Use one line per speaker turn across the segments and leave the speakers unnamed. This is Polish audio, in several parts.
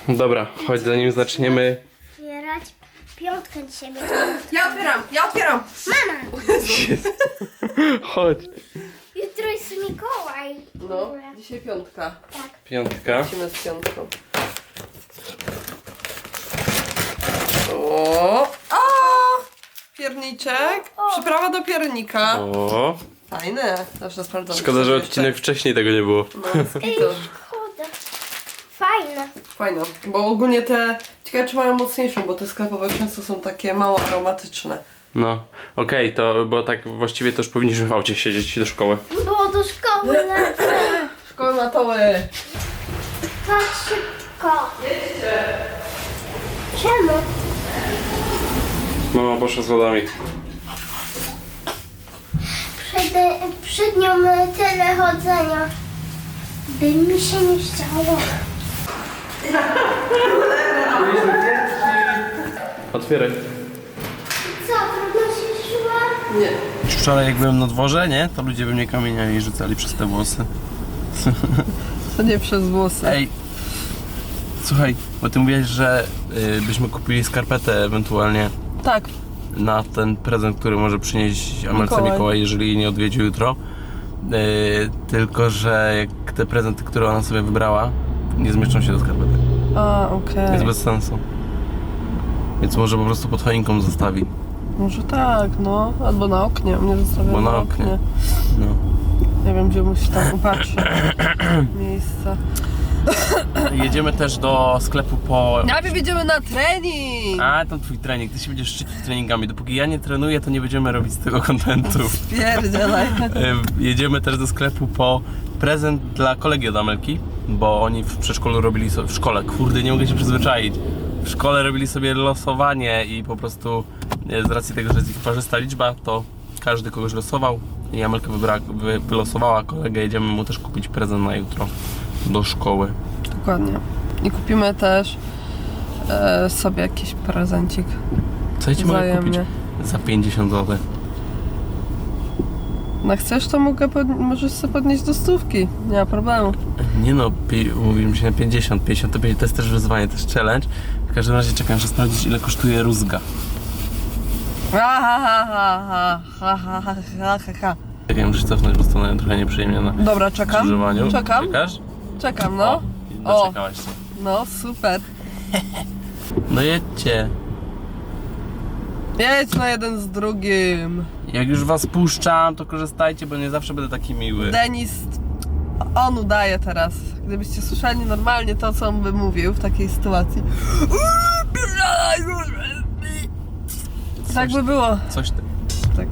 Dobra, chodź zanim zaczniemy.
Otwierać piątkę dzisiaj będzie.
Ja otwieram!
Mama!
Chodź.
Jutro jest Mikołaj.
No, dzisiaj piątka.
Tak.
Piątka.
Lecimy z piątką. O! Pierniczek. Przyprawa do piernika.
O.
Fajne. Zawsze sprawdzam.
Szkoda, że odcinek wcześniej tego nie było.
No, to
Szkoda. Fajne.
fajne. Bo ogólnie te... Ciekawe, czy mają mocniejszą, bo te sklepowe często są takie mało aromatyczne.
No, okej, to bo tak właściwie to już powinniśmy w aucie siedzieć do szkoły.
Było do szkoły lecę.
Szkoły matoły.
Tak szybko. Czemu?
Mama poszła z lodami.
Przed nią tyle chodzenia. By mi się nie chciało.
Otwieraj.
Co, trudno się szła?
Nie.
Wczoraj jak byłem na dworze, nie? To ludzie we mnie kamieniami rzucali przez te włosy.
To nie przez włosy.
Ej, słuchaj, bo ty mówiłeś, że byśmy kupili skarpetę ewentualnie
Tak.
na ten prezent, który może przynieść Amelce
Mikołaj.
Mikołaj, jeżeli jej nie odwiedzi jutro. Tylko, że jak te prezenty, które ona sobie wybrała, nie zmieszczą się do skarpety.
A, okej.
Jest bez sensu. Więc może po prostu pod choinką zostawi.
Może tak, no. Albo na oknie. Mnie zostawia
Bo na oknie. No.
Nie wiem, gdzie musi tam upatrzyć miejsce.
Jedziemy też do sklepu po...
Najpierw jedziemy na trening!
A, to twój trening. Ty się będziesz szczycić treningami. Dopóki ja nie trenuję, to nie będziemy robić z tego kontentu.
Spierdzielaj.
Jedziemy też do sklepu po prezent dla kolegi od Amelki, bo oni w przedszkolu robili sobie, w szkole, kurde, nie mogę się przyzwyczaić. W szkole robili sobie losowanie i po prostu z racji tego, że jest ich parzysta liczba, to każdy kogoś losował i Amelka wylosowała kolegę. Jedziemy mu też kupić prezent na jutro do szkoły.
Dokładnie. I kupimy też sobie jakiś prezencik.
Co ja ci mogę kupić
Wzajemnie.
za 50 zł?
No chcesz, to możesz sobie podnieść do 100. Nie ma problemu.
Nie no, mówimy się na 50, 55, to jest też wyzwanie, to jest challenge. W każdym razie czekam, muszę sprawdzić, ile kosztuje rózga. Tak, ja muszę cofnąć, bo stanąłem trochę nieprzyjemnie na
Dobra, czekam.
skrzyżowaniu.
Czekam.
Czekasz?
Czekam, no.
O, doczekałaś się.
No, super.
No jedźcie.
Jedź na jeden z drugim.
Jak już was puszczam, to korzystajcie, bo nie zawsze będę taki miły.
Denis, on udaje teraz. Gdybyście słyszeli normalnie to, co on by mówił w takiej sytuacji. Tak by było.
Coś ty.
Tak.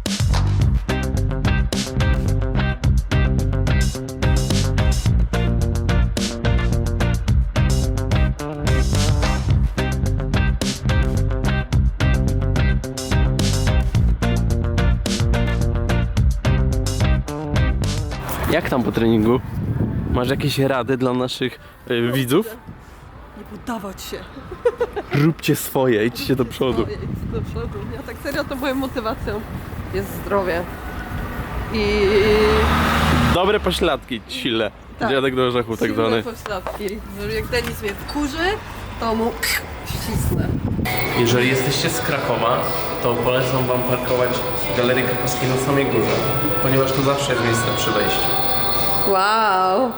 Jak tam po treningu? Masz jakieś rady dla naszych widzów?
Nie poddawać się.
Róbcie swoje, idźcie do przodu.
Idź do przodu. Ja tak serio, to moją motywacją jest zdrowie. I
Dobre pośladki, sile.
Tak.
Dziadek do orzechu tak zwany.
silne pośladki. Że jak Denis mnie wkurzy, to mu ścisnę.
Jeżeli jesteście z Krakowa, to polecam wam parkować w Galerii Krakowskiej na samej górze, ponieważ tu zawsze jest miejsce przy wejściu.
Wow.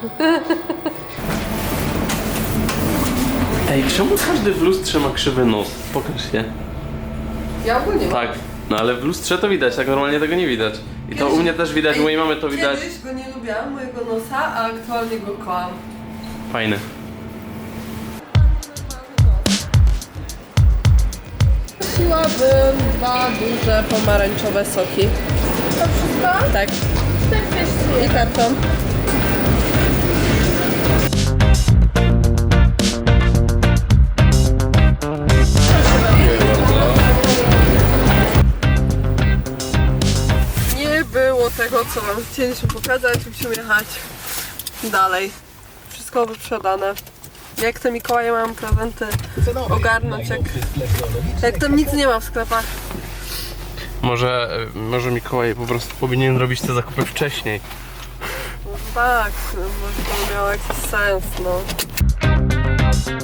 Ej, czemu każdy w lustrze ma krzywy nos? Pokaż się.
Ja ogólnie mam.
Tak, no ale w lustrze to widać, tak normalnie tego nie widać. I to u mnie też widać, u mojej mamy to widać.
Kiedyś go nie lubiłam, mojego nosa, a aktualnie go kocham.
Fajny.
Prosiłabym 2 duże pomarańczowe soki. To wszystko? Tak. I karton. Nie było tego, co wam chcieliśmy pokazać. Musimy jechać dalej. Wszystko wyprzedane. Jak te Mikołaje mam prezenty ogarnąć, jak tam nic nie ma w sklepach.
Może Mikołaj po prostu powinien robić te zakupy wcześniej.
No tak, może to miało jakiś sens, no.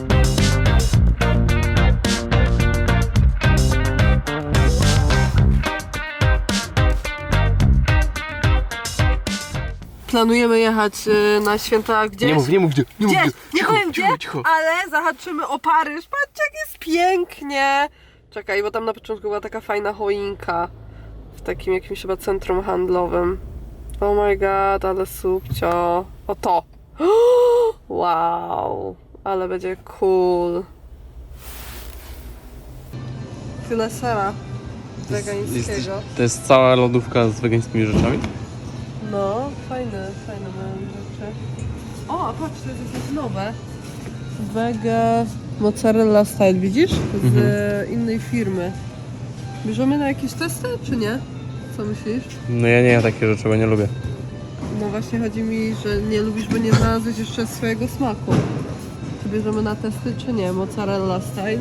planujemy jechać na święta gdzieś.
Nie mów gdzie.
Gdzie? Nie
Cicho,
powiem gdzie,
cicho.
ale zahaczymy o Paryż. Patrzcie, jak jest pięknie. Czekaj, bo tam na początku była taka fajna choinka w takim jakimś chyba centrum handlowym. Oh my god, ale subcio. O to. Wow, ale będzie cool. Tyle sera wegańskiego.
To jest cała lodówka z wegańskimi rzeczami?
No, fajne mają rzeczy. O, a patrz, to jest jakieś nowe. Wege mozzarella style, widzisz? Z innej firmy. Bierzemy na jakieś testy, czy nie? Co myślisz?
No ja nie jem takie rzeczy, bo nie lubię.
No właśnie chodzi mi, że nie lubisz, bo nie znalazłeś jeszcze swojego smaku. Czy bierzemy na testy, czy nie? Mozzarella style.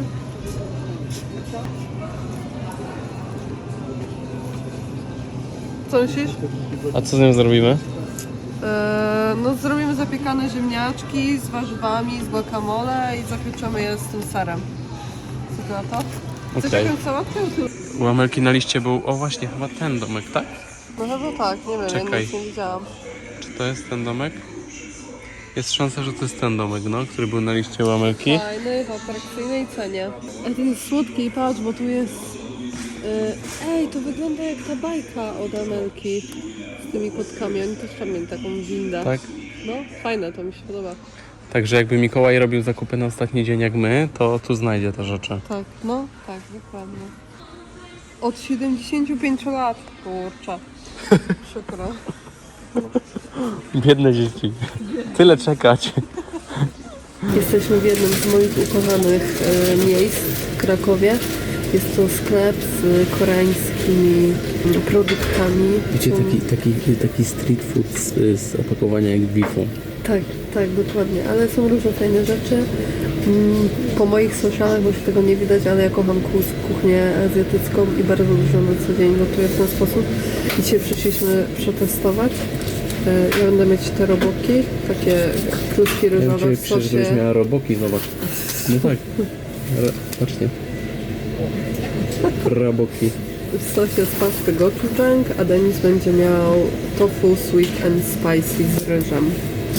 Co myślisz?
A co z nią zrobimy?
No zrobimy zapiekane ziemniaczki z warzywami, z guacamole i zapieczemy je z tym serem. Co ty na to? Chcesz
Okej.
jakąś sałatkę?
U Amelki na liście był, o właśnie, chyba ten domek, tak?
No chyba tak, nie wiem, ja
Czekaj.
nic nie widziałam.
Czy to jest ten domek? Jest szansa, że to jest ten domek, no, który był na liście u Amelki.
Fajny, w atrakcyjnej cenie. Ej, to jest słodki, patrz, bo tu jest... Ej, to wygląda jak ta bajka od Amelki z tymi kotkami. Oni też tam mieli taką windę.
Tak?
No, fajne, to mi się podoba.
Także jakby Mikołaj robił zakupy na ostatni dzień jak my, to tu znajdzie te rzeczy.
Tak, no, tak, dokładnie. Od 75 lat, kurczę. Przykro.
Biedne dzieci. Tyle czekać.
Jesteśmy w jednym z moich ukochanych miejsc w Krakowie. Jest to sklep z koreańskimi produktami.
Wiecie, taki street food z opakowania jak Bifu.
Tak, dokładnie, ale są różne fajne rzeczy. Po moich socialach, bo się tego nie widać, ale ja kocham kuchnię azjatycką i bardzo dużo na co dzień gotuję w ten sposób. I dzisiaj przyszliśmy przetestować. Ja będę mieć te roboki, takie kluski ryżowe w sosie.
miała roboki, zobacz. No tak. Ale patrzcie. Roboki.
W sosie z pasty gochujang, a Denis będzie miał tofu sweet and spicy z ryżem.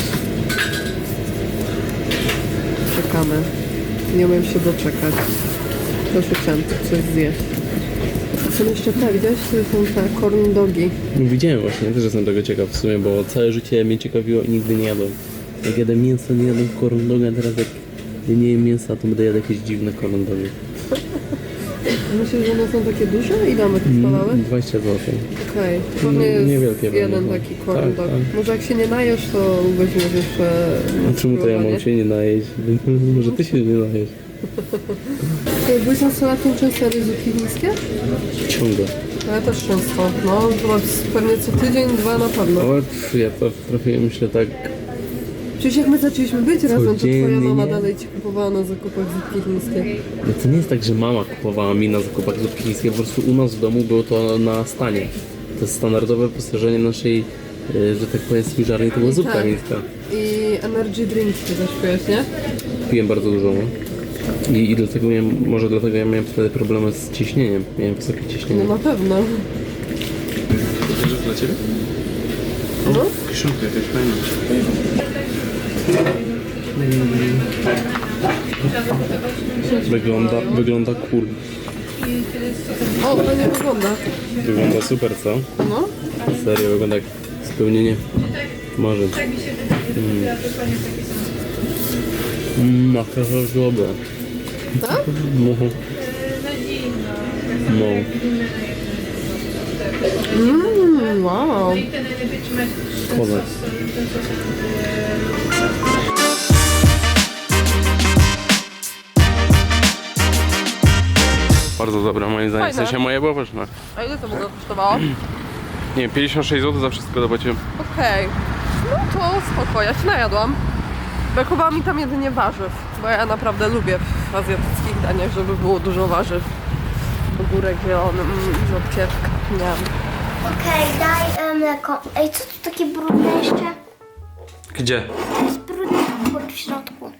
Czekamy. Nie umiem się doczekać. Proszę chciałam coś zjeść. A są jeszcze te, widziałeś? To są te corn dogi.
Widziałem właśnie, ja też jestem tego ciekaw w sumie, bo całe życie mnie ciekawiło i nigdy nie jadłem. Jak jadę mięso, nie jadłem corn doga, a teraz jak nie jem mięsa, to będę jadł jakieś dziwne corn dogi.
Myślisz, że one są takie duże? Ile one kosztowały?
20 zł.
Okej, to nie jest
Niewielkie
jeden
będą.
taki corn
Tak,
dog.
tak.
Może jak się nie najesz, to weźmiesz jeszcze...
A czemu to ja mam się nie najeść? Może ty się nie najesz?
Byłeś nastolatkiem często jadłeś zupki chińskie?
Ciągle.
Ja też często. No, chyba pewnie co tydzień, dwa na pewno.
O, ja to trafiłem, myślę tak,
Przecież jak my zaczęliśmy być razem, to twoja
Codziennie.
mama dalej ci kupowała na zakupach zupki chińskie.
no to nie jest tak, że mama kupowała mi na zakupach zupki chińskie, po prostu u nas w domu było to na stanie. To jest standardowe wyposażenie naszej, że tak powiem, spiżarni, to była zupka
Tak.
chińska.
I energy drinks ty też pijesz, nie?
Piłem bardzo dużo, no. I dlatego może dlatego ja miałem wtedy problemy z ciśnieniem. Miałem wysokie ciśnienie.
No na pewno.
To jest dla ciebie?
No.
Kiszonka jakaś fajna. Wygląda cool.
O, to nie wygląda.
Wygląda super, co?
No.
Serio, wygląda jak spełnienie marzeń. Maka dobra.
Tak?
No. No.
Wow.
Kozak. Bardzo dobra, moim zdaniem. W
Fajne.
sensie moje było pyszne.
A ile to w ogóle kosztowało?
Nie, 56 zł za wszystko zapłaciłem.
Okej. No to spoko, ja się najadłam. Brakowało mi tam jedynie warzyw, bo ja naprawdę lubię w azjatyckich daniach, żeby było dużo warzyw. Ogórek zielony, rzodkiewka, miam.
Okej, daj mleko. Ej, co tu takie brudne jeszcze?
Gdzie?
To jest brudny w środku.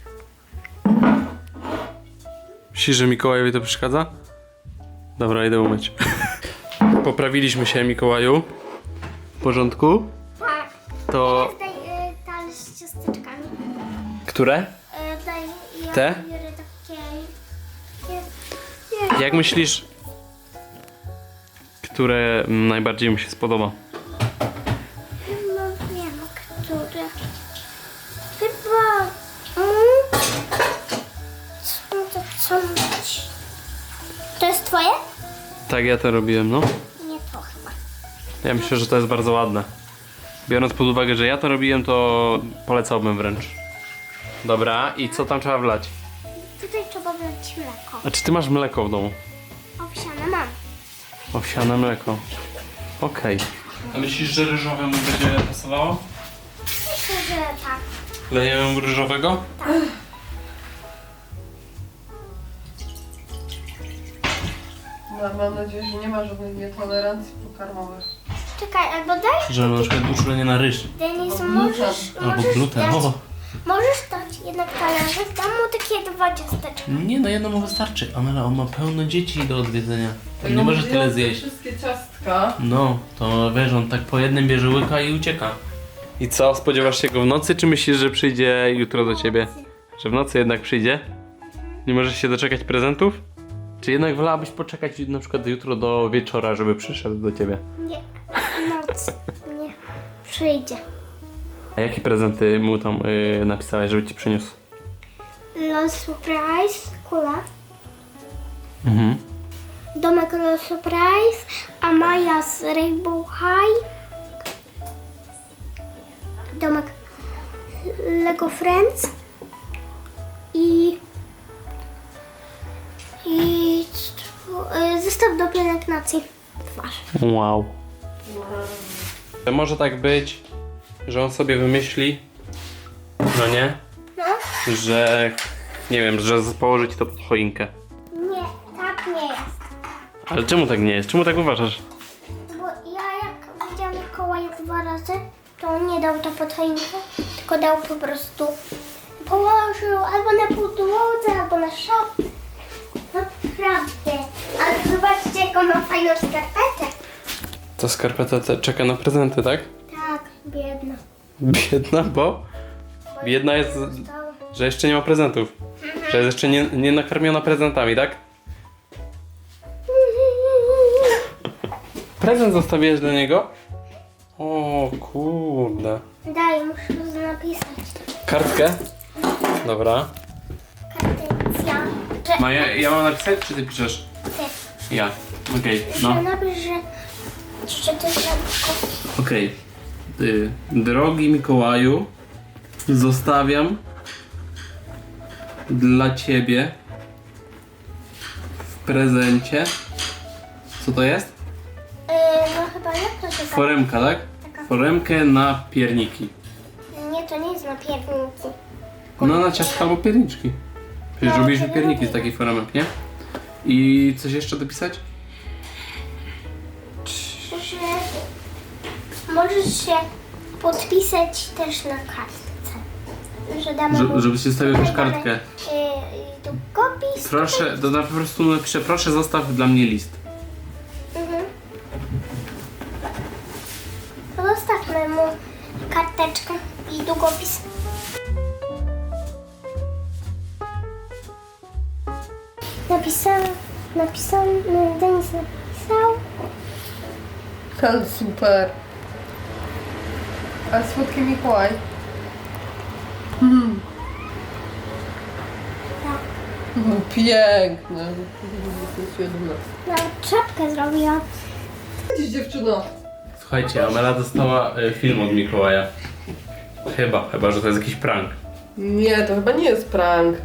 Myślisz, że Mikołajowi to przeszkadza? Dobra, idę umyć. Poprawiliśmy się, Mikołaju. W porządku?
Tak.
to...
Daj talerz z ciasteczkami.
Które?
Daj, ja
Te?
biorę takie...
Jak myślisz, które najbardziej mi się spodoba?
Chyba wiem, które. Chyba... Co mówić? To jest twoje?
Tak, ja to robiłem, no.
Nie to chyba.
Ja myślę, że to jest bardzo ładne. Biorąc pod uwagę, że ja to robiłem, to polecałbym wręcz. Dobra, i co tam trzeba wlać?
Tutaj trzeba wlać mleko.
A czy ty masz mleko w domu?
Owsiane mam.
Owsiane mleko. Okej. A myślisz, że ryżowe mu będzie pasowało?
Myślę, że tak.
Lejemy mu ryżowego?
Mam nadzieję, że nie ma żadnej nietolerancji pokarmowych.
Czekaj, albo daj.
Że na przykład uczulenie na ryż.
Denis,
Albo
możesz
Albo gluten.
dać,
O.
możesz dać jednak talerzyk, dam mu takie 2 ciasteczka.
Nie, no jedno mu wystarczy. Amela, on ma pełno dzieci do odwiedzenia.
To
Nie może
ją
tyle
zjął
zjeść.
Wszystkie ciastka.
No, to wiesz, on tak po jednym bierze łyka i ucieka. I co, spodziewasz się go w nocy, czy myślisz, że przyjdzie jutro do ciebie? Że w nocy jednak przyjdzie? Nie możesz się doczekać prezentów? Czy jednak wolałabyś poczekać na przykład jutro do wieczora, żeby przyszedł do ciebie?
Nie, noc. Nie, przyjdzie.
A jakie prezenty mu tam napisałeś, żeby ci przyniósł?
Los Surprise, kula.
Mhm.
Domek Los Surprise, a Maja z Rainbow High. Domek Lego Friends. I zestaw do pielęgnacji twarzy.
Wow. Może tak być, że on sobie wymyśli, no nie?
No?
Że, nie wiem, że położy ci to pod choinkę.
Nie, tak nie jest.
Ale czemu tak nie jest? Czemu tak uważasz?
Bo ja jak widziałam Mikołaja 2 razy, to on nie dał to pod choinkę, tylko dał po prostu, położył albo na podłodze, albo na szafie. Naprawdę. Ale zobaczcie, jaką ma fajną skarpetę.
Ta skarpeta czeka na prezenty, tak?
Tak, biedna.
Biedna, bo? Biedna jest, że jeszcze nie ma prezentów. Że jest jeszcze nie nakarmiona prezentami, tak? Prezent zostawiłeś dla niego? O kurde.
Daj, muszę to napisać.
Kartkę? Dobra.
Kartencja.
Maja, ja mam napisać, czy ty piszesz?
Ty.
Ja. Okej, no.
Napisz, że to jest
Okej. Drogi Mikołaju, zostawiam dla ciebie w prezencie. Co to jest?
no chyba jak to się nazywa?
Foremka, tak?
Taka.
Foremkę na pierniki.
Nie, to nie jest na pierniki.
No na ciastka albo pierniczki. Przecież
No,
robiliśmy
to
pierniki z
robimy.
takich foremek, nie? I coś jeszcze dopisać?
Że możesz się podpisać też na kartce. Że damy mu
Żebyś zostawił jakąś
tutaj
kartkę.
damy, długopis.
Proszę, to po prostu napiszę, proszę zostaw dla mnie list.
Mhm. To zostawmy mu karteczkę i długopis. Napisał, Denis napisał.
Ale super. A słodki Mikołaj.
Tak.
No, piękne.
Nawet czapkę zrobiła.
Dziś dziewczyno.
Słuchajcie, Amela dostała film od Mikołaja. Chyba, że to jest jakiś prank.
Nie, to chyba nie jest prank.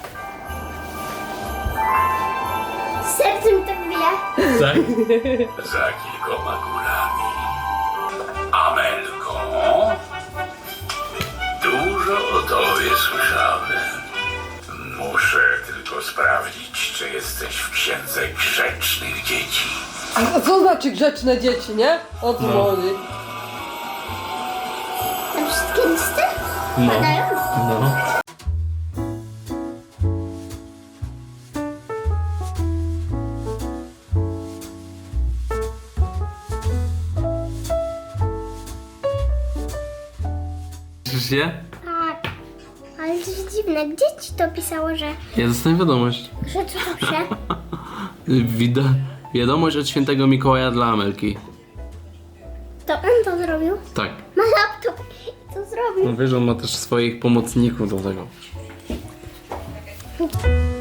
Sercem tak bije.
Tak?
Za kilkoma górami. Amelko, dużo o tobie słyszałem. Muszę tylko sprawdzić, czy jesteś w księdze grzecznych dzieci.
A co znaczy grzeczne dzieci, nie? O co chodzi?
Te wszystkie listy
No.
padają.
No. Cieszysz się?
Tak. Ale to jest dziwne. Gdzie ci to pisało, że
Ja dostałem wiadomość.
co to pisze?
Wiadomość od świętego Mikołaja dla Amelki.
To on to zrobił?
Tak.
Ma laptop i to zrobił.
No wiesz, on ma też swoich pomocników do tego.